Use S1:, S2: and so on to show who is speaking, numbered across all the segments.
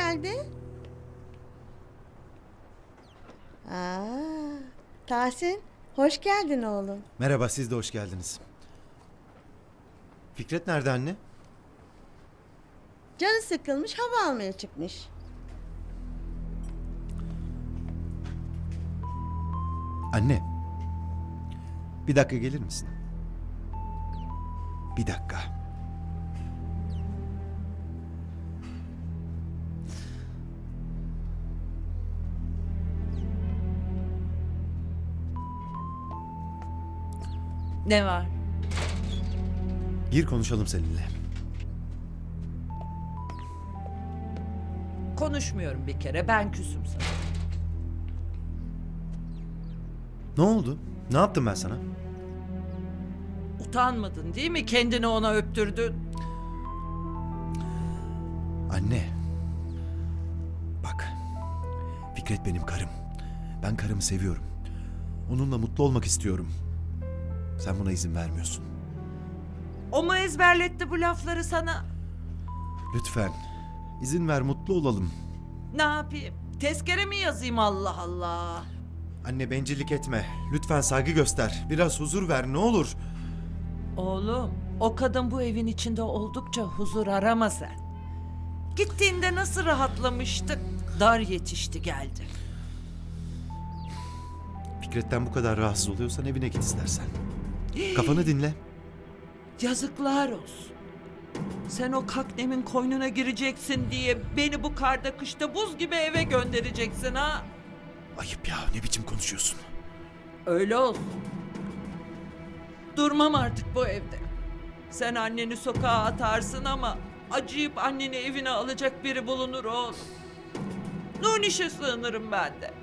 S1: geldi? Tahsin, hoş geldin oğlum.
S2: Merhaba, siz de hoş geldiniz. Fikret nerede anne?
S1: Canı sıkılmış, hava almaya çıkmış.
S2: Anne. Bir dakika gelir misin? Bir dakika.
S3: Ne var?
S2: Gir konuşalım seninle.
S3: Konuşmuyorum bir kere. Ben küsüm sana.
S2: Ne oldu? Ne yaptım ben sana?
S3: Utanmadın değil mi? Kendini ona öptürdün.
S2: Anne. Bak. Fikret benim karım. Ben karımı seviyorum. Onunla mutlu olmak istiyorum. Sen buna izin vermiyorsun.
S3: O mu ezberletti bu lafları sana?
S2: Lütfen. İzin ver, mutlu olalım.
S3: Ne yapayım? Tezkere mi yazayım Allah Allah?
S2: Anne, bencillik etme. Lütfen saygı göster. Biraz huzur ver, ne olur.
S3: Oğlum, o kadın bu evin içinde oldukça huzur arama sen. Gittiğinde nasıl rahatlamıştık? Dar yetişti geldi.
S2: Fikret'ten bu kadar rahatsız oluyorsan evine git istersen. Kafanı dinle.
S3: Yazıklar olsun. Sen o kaknemin koynuna gireceksin diye beni bu karda kışta buz gibi eve göndereceksin ha?
S2: Ayıp ya, ne biçim konuşuyorsun?
S3: Öyle olsun. Durmam artık bu evde. Sen anneni sokağa atarsın ama acıyıp anneni evine alacak biri bulunur oğlum. Nuniş'e sığınırım ben de.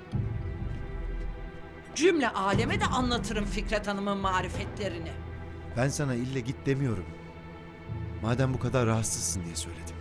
S3: Cümle aleme de anlatırım Fikret Hanım'ın marifetlerini.
S2: Ben sana ille git demiyorum. Madem bu kadar rahatsızsın diye söyledim.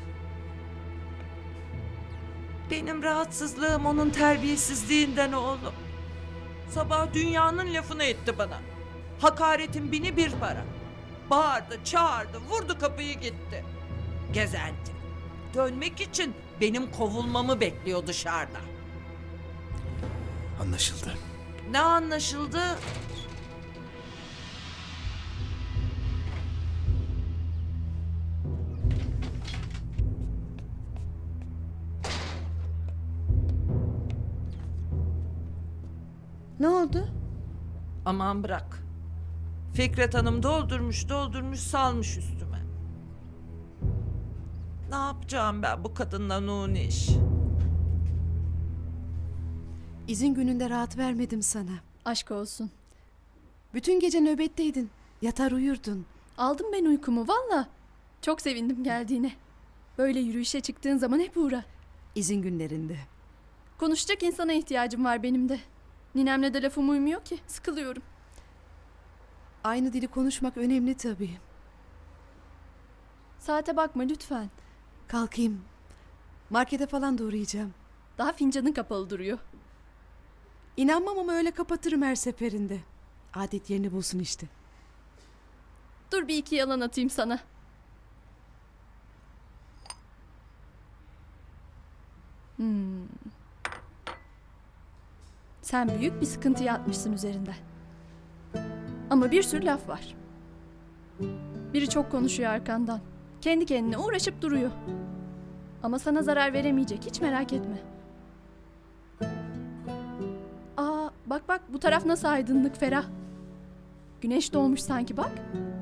S3: Benim rahatsızlığım onun terbiyesizliğinden oğlum. Sabah dünyanın lafını etti bana. Hakaretin bini bir para. Bağırdı, çağırdı, vurdu kapıyı gitti. Gezenti. Dönmek için benim kovulmamı bekliyor dışarıda.
S2: Anlaşıldı.
S3: Ne anlaşıldı?
S1: Ne oldu?
S3: Aman bırak. Fikret Hanım doldurmuş salmış üstüme. Ne yapacağım ben bu kadınla Nuniş?
S4: İzin gününde rahat vermedim sana.
S5: Aşk olsun.
S4: Bütün gece nöbetteydin. Yatar uyurdun.
S5: Aldım ben uykumu valla. Çok sevindim geldiğine. Böyle yürüyüşe çıktığın zaman hep uğra.
S4: İzin günlerinde.
S5: Konuşacak insana ihtiyacım var benim de. Ninemle de lafım uymuyor ki. Sıkılıyorum.
S4: Aynı dili konuşmak önemli tabii.
S5: Saate bakma lütfen.
S4: Kalkayım. Markete falan da uğrayacağım.
S5: Daha fincanın kapalı duruyor.
S4: İnanmam ama öyle kapatırım her seferinde. Adet yerini bulsun işte.
S5: Dur bir iki yalan atayım sana. Sen büyük bir sıkıntıya atmışsın üzerinden. Ama bir sürü laf var. Biri çok konuşuyor arkandan. Kendi kendine uğraşıp duruyor. Ama sana zarar veremeyecek, hiç merak etme. Aa, bak bu taraf nasıl aydınlık, ferah. Güneş doğmuş sanki bak.